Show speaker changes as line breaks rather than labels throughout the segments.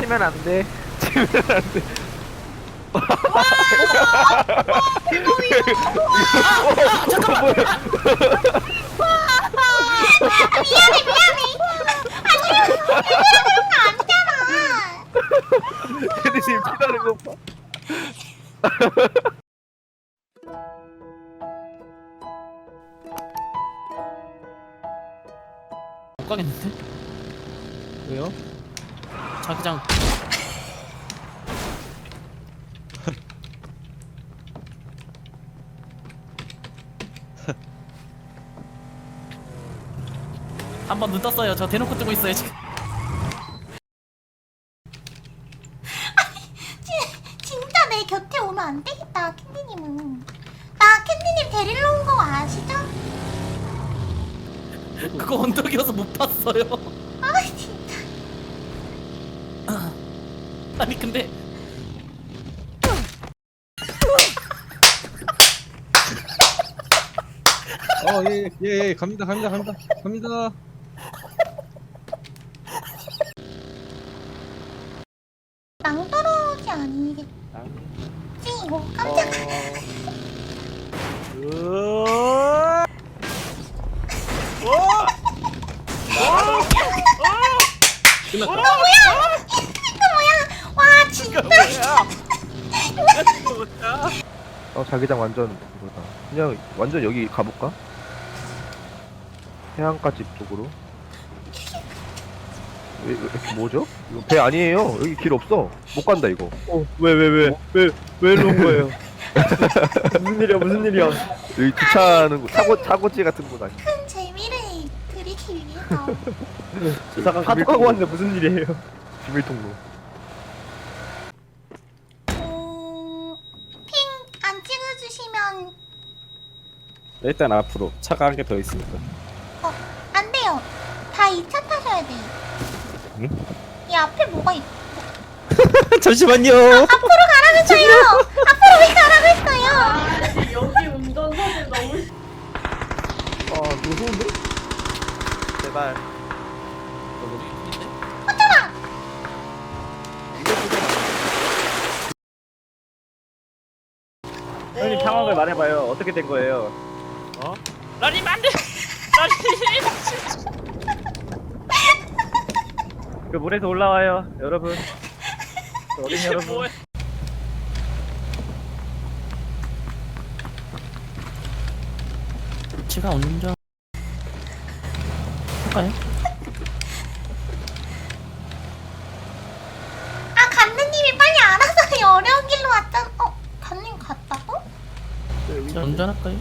치면 안 돼. 치면 안 돼.
잠깐만.
미안해 미안해. 아니 이러면 안 되잖아.
캐디님 피나는 거 봐.
못 가겠는데?
왜요?
자기장. 한 번 눈 떴어요. 저 대놓고 뜨고 있어요 지금.
진짜 내 곁에 오면 안 되겠다 캔디님은. 나 캔디님 데리러 온 거 아시죠?
그거 언덕이어서 못 봤어요.
아 진짜.
아니 근데
예, 갑니다.
낭떠러지 아니겠지 이거 깜짝. 이거 뭐야? 와 진짜.
자기장 완전 그거다. 그냥 완전 여기 가볼까? 해안가 집 쪽으로. 뭐죠? 이거 배 아니에요. 여기 길 없어. 못 간다 이거.
왜 일로 온 거예요? 무슨 일이야?
여기 주차하는 곳, 사고지 같은 곳 아니야?
큰 재미를 드리기 위해서.
저 잠깐 카톡하고 왔는데 무슨 일이에요?
비밀 통로.
핑 안 찍어주시면
일단 앞으로 차가 한 개 더 있으니까.
안 돼요. 다 2차 타셔야 돼요.
응?
이 앞에 뭐가 있?
잠시만요.
앞으로 가라고 했어요. 앞으로 왜 가라고 했어요?
여기 운전사들 너무
무서운데?
제발.
어쩌라.
형님 상황을 말해봐요. 어떻게 된 거예요?
라님 안돼. 라님.
그 물에서 올라와요, 여러분. 그 어린 여러분.
뭐야? 제가 운전 할까요?
아 간느님이 빨리 알아서 어려운 길로 왔잖아. 간님 갔다고?
저 운전할까요?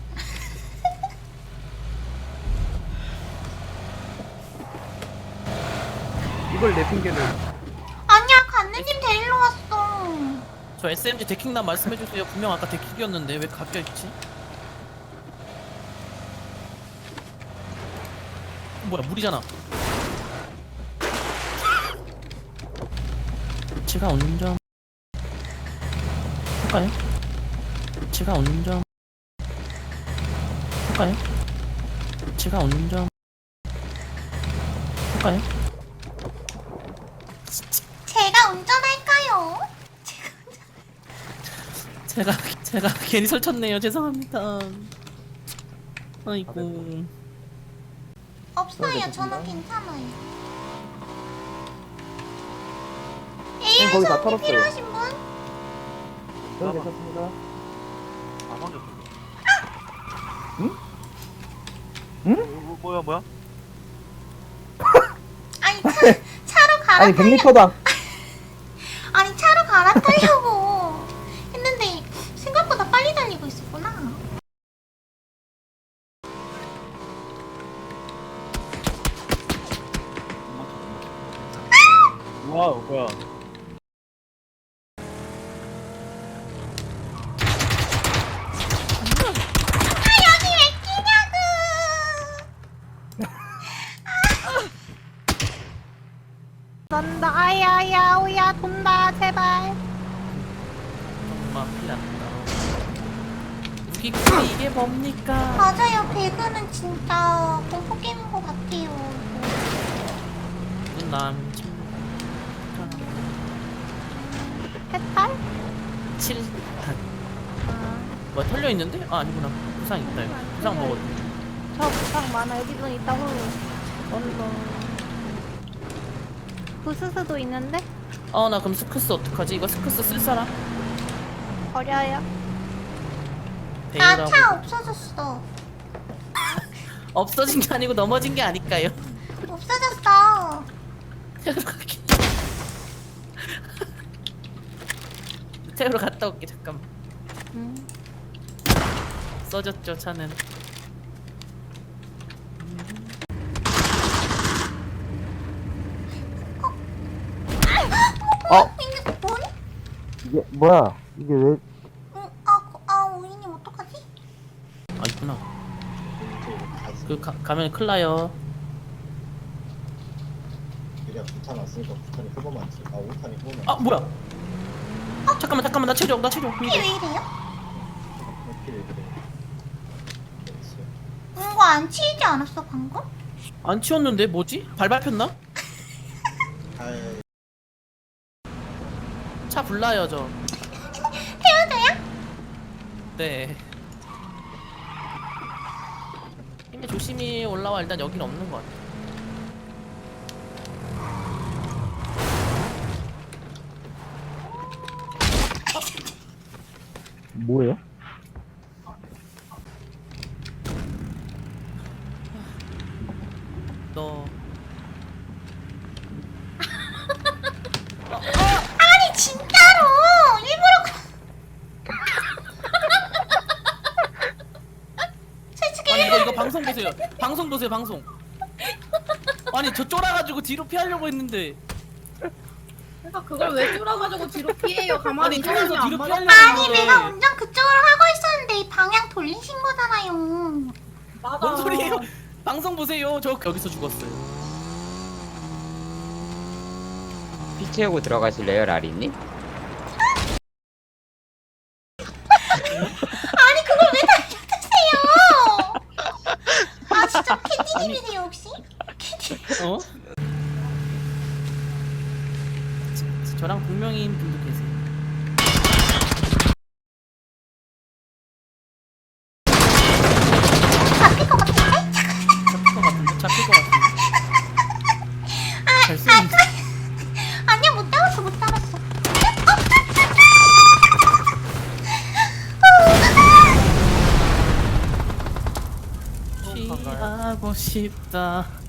이걸 내 핑계를.
아니야 간느님 데리러 왔어.
저 SMG 데킹남 말씀해주세요. 분명 아까 데킥이었는데 왜 바뀌어있지? 뭐야 물이잖아. 제가 운전 할까요? 제가 운전 할까요? 제가 운전 할까요?
제가 운전할까요?
제가 괜히 설쳤네요. 죄송합니다. 아이고.
없어요. 저는 괜찮아요.
거기
AR
다
수업이
털었어요.
필요하신 분?
저는 괜찮습니다.
뭐야?
아니 차로 갈아타려.
100m다.
아니 차로 갈아타려고 했는데 생각보다 빨리 달리고 있었구나.
와우, 뭐야.
여기 왜 끼냐고. 넌다 아야야 오야 돈다 제발.
엄마 피났다. 무기고 이게 뭡니까?
맞아요. 배그는 진짜 공포 게임인 것 같아요.
난 친구. 뭐야 털려 있는데? 아 아니구나. 부상 있다 이거. 부상 먹었네.
저 부상 많아. 여기 좀 있다 홀로.
얼라.
부스스도 있는데?
나 그럼 스크스 어떡하지? 이거 스크스 쓸 사람?
버려요.
나
배우라고.
차 없어졌어.
없어진 게 아니고 넘어진 게 아닐까요?
없어졌어.
태우러 갈게. 태우러 갔다 올게 잠깐만. 써졌죠 차는.
이게 뭐니?
이게 뭐야? 이게 왜?
우이님 어떡하지?
아 있구나. 가면 큰일 나요.
그냥 부탄 왔으니까 부탄이 후보만 치. 5탄이 후보만.
아 뭐야? 잠깐만 나 체력.
이게 왜 이래요?
필 그래.
이거 안 치이지 않았어 방금?
안 치웠는데 뭐지? 발 밟혔나?
아,
차 불나요 저.
태워줘요?
네. 근데 조심히 올라와. 일단 여긴 없는 것 같아.
뭐예요?
너
아니 진짜로 일부러 솔직히
아니 이거 방송 보세요. 방송 보세요 방송. 아니 저 쫄아가지고 뒤로 피하려고 했는데.
그러니까 그걸 왜 쫄아가지고 뒤로 피해요? 가만히
아니 쫄아서
있으면
뒤로
안
피하려고
맞아.
아니
했는데.
내가 운전 그쪽으로 하고 있었는데 이 방향 돌리신 거잖아요.
맞아.
뭔 소리예요? 방송 보세요. 저 여기서 죽었어요.
피 채우고 들어가실래요, 라리님?
아니 그걸 왜 달려드세요? 아 진짜 캔디님이세요 혹시? 캔디
어? 저랑 동명이인 분도 계세요.
잡힐 것 같은데?
잡힐 것 같은데. 잘 쓰는데.
아니야 못 잡았어 못 잡았어.
피하고 싶다.